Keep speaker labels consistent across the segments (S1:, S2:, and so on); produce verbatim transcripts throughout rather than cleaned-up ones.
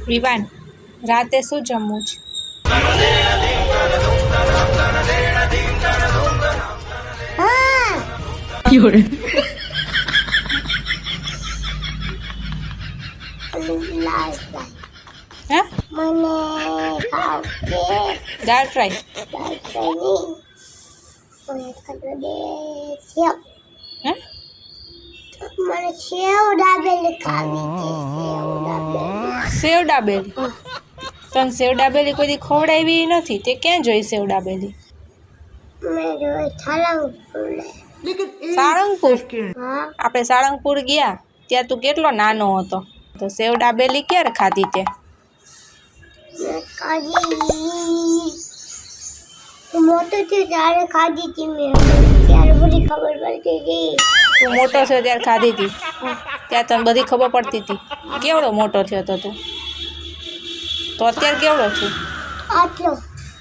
S1: વિવાન, રાતે શું જમવું છે? હે?
S2: મને ખાવ કે
S1: દાળ ફ્રાય.
S2: દાળ ફ્રાય નહીં મને ખાતો દે સેવ
S1: હે?
S2: મને સેવ દાબેલી ખાવી છે સેવ દાબેલી
S1: સેવ ડાબેલી. તને સેવ ડાબેલી કોઈ દી ખવડાવી નથી, તે ક્યાં જોઈ સેવ ડાબેલી?
S2: મેં જોઈ સાળંગપુર
S1: સાળંગપુર.
S2: હા
S1: આપણે સાળંગપુર ગયા ત્યાં તું કેટલો નાનો હતો, તો સેવ ડાબેલી ક્યારે ખાધી તે?
S2: મેં ખાધી હું મોટો થયો ત્યારે ખાધી હતી મેં ત્યારે બધી ખબર પડતી હતી.
S1: તું મોટો થયો ત્યારે ખાધી હતી, ત્યાં તને બધી ખબર પડતી હતી. કેવડો મોટો થયો હતો તું? તો અત્યારે કેવડો છું?
S2: આટલો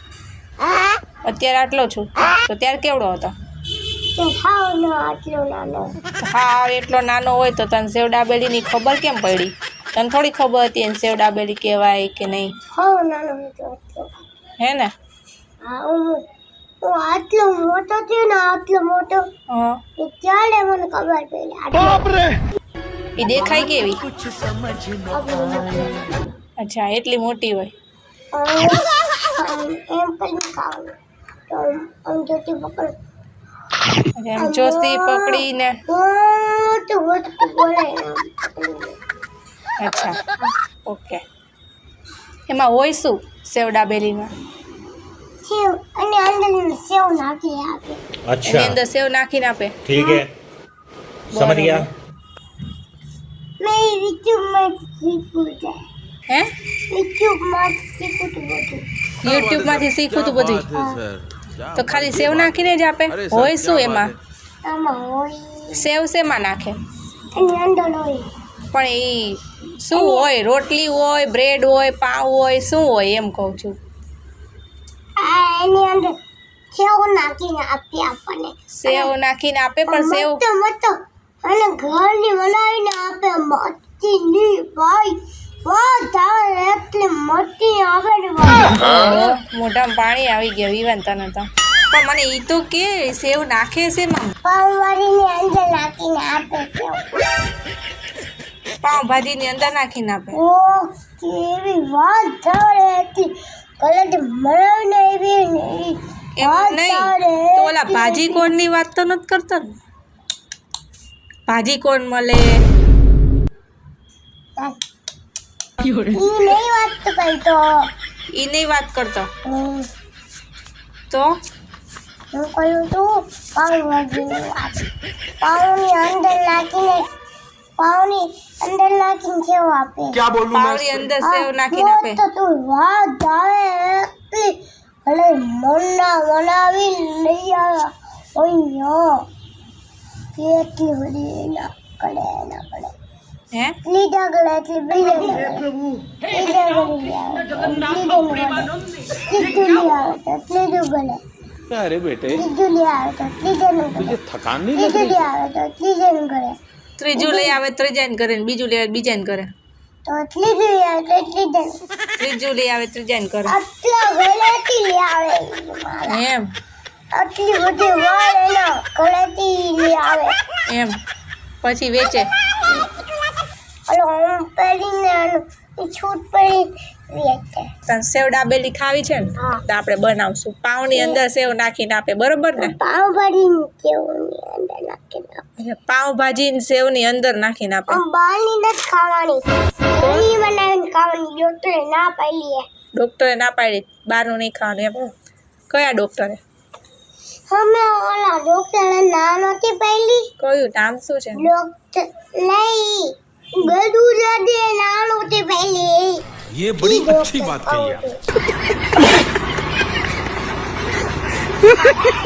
S1: અત્યારે આટલો છું, તો ત્યારે કેવડો હતો?
S2: તો ખાવ ન આટલો નાનો
S1: હા, એટલો નાનો હોય તો તને સેવ ડાબેલીની ખબર કેમ પડી? તને થોડી ખબર હતી એને સેવ ડાબેલી કહેવાય કે નહીં?
S2: ખાવ નાનો હતો આટલો.
S1: હે ને?
S2: હા હું હું આટલો મોટો થયો ને આટલો મોટો
S1: હા.
S2: એ ત્યારે મને ખબર પડી આટલો
S1: એ દેખાય કેવી?
S2: આટલો મોટો.
S1: અચ્છા, એટલી મોટી હોય.
S2: આમ એમ કરીને ખાવાનું તો આમ જોતી પકડ
S1: એટલે એમ જોસ્તી પકડીને.
S2: મોટું મોટું બોલાય આમ પકડીને.
S1: અચ્છા, ઓકે. એમાં હોય શું સેવ ડાબેલીમાં?
S2: સેવ અને અંદર સેવ નાખી આપે.
S1: એની
S3: अच्छा
S1: અંદર સેવ નાખીને આપે.
S3: ठीक है समझ गया
S2: મેં યુટ્યુબમાં શીખવું છે
S1: હે?
S2: યુટ્યુબમાં શીખવું હતું બધું.
S1: યુટ્યુબમાંથી શીખું તું બધું? તો ખાલી સેવ નાખીને જ આપે? હોય શું એમાં?
S2: આમાં હોય
S1: સેવ શેમાં નાખે?
S2: એની અંદર હોય
S1: પણ એ શું હોય? રોટલી હોય, બ્રેડ હોય, પાવ હોય, શું હોય એમ કહું છું.
S2: આ એની અંદર સેવ નાખીને આપી આપણને.
S1: સેવ નાખીને આપે પણ સેવ
S2: મસ્ત મસ્ત અને ઘરની બનાવીને આપે મસ્તીની ભાઈ વાહ તારે એટલી મસ્તી આવે ને ભાઈ.
S1: ઓહો, મોઢામાં પાણી આવી ગયા વિવાન તને તો. પણ મને ઈ તો કે સેવ નાખે છે એમાં?
S2: પાવભાજીની અંદર નાખીને આપે સેવ.
S1: પાવભાજીની અંદર નાખીને આપે?
S2: ઓહ કેવી વાત તારે એટલી કલર બનાવીને આવી ને એવી
S1: એમ
S2: વાત
S1: નહીં
S2: તારે
S1: તો ઓલા ભાજી કોણની વાત તો નથી કરતો ને? ભાજી કોણ મળે?
S2: ઈ નહીં વાત તો કઈ તો
S1: ઈ નહીં વાત કરતો
S2: હમ,
S1: તો
S2: હું કહ્યું તું પાવભાજીની વાત. પાવની અંદર નાખીને પાવની અંદર નાખીને સેવ આપે.
S1: પાવની અંદર સેવ નાખીને આપે?
S2: તો તું વાત આવે એટલી ભલે મનના બનાવી લઈ આવ્યા ઓય કેટલી બધી ના કડે ના કડે
S1: હે?
S2: લીધા ગળે એટલી બીજા ગળે લીધા ગળે આવે લીધું લઈ આવે તો લીધું ગળે
S3: अरे बेटे
S2: લીધું લઈ આવે તો લીધેનું ગળે
S3: तुझे थकान नहीं लग
S2: લીધું
S3: रही
S2: લઈ આવે તો લીધેનું ગળે
S1: ત્રીજું લઈ આવે ત્રીજાને કરે ને બીજું લઈ આવે બીજાને કરે.
S2: તો લીધું લઈ આવે તો લીધેનું
S1: ત્રીજું લઈ આવે ત્રીજાને કરે.
S2: આટલા ગળેથી લઈ આવે
S1: એમ?
S2: આટલી બધી વાળ એના ગળેથી લઈ આવે
S1: એમ પછી વેચે?
S2: ઓલો આમ પહેરીને આનું છૂટ પડી વેચે.
S1: તને સેવ ડાબેલી ખાવી છે ને
S2: હા.
S1: તો આપણે બનાવશું. પાવની અંદર સેવ નાખીને આપે, બરોબર ને?
S2: પાવભાજીની સેવની અંદર નાખીને આપે.
S1: એટલે પાવભાજી ને સેવની અંદર નાખીને આપે.
S2: આમ બહારની નથી ખાવાની ઘરની બનાવીને ખાવાની ડોક્ટરે ના પાડી.
S1: ડોક્ટરે ના પાડી બહારનું નહીં ખાવાનું એમ? કયા ડોક્ટરે?
S2: અમે ઓલા ડોક્ટરે ના નથી પાડી.
S1: કયું નામ શું છે?
S2: ડોક્ટર નહીં બધું જાતે ના નથી પાડી.
S4: ये बड़ी अच्छी बात कही आप।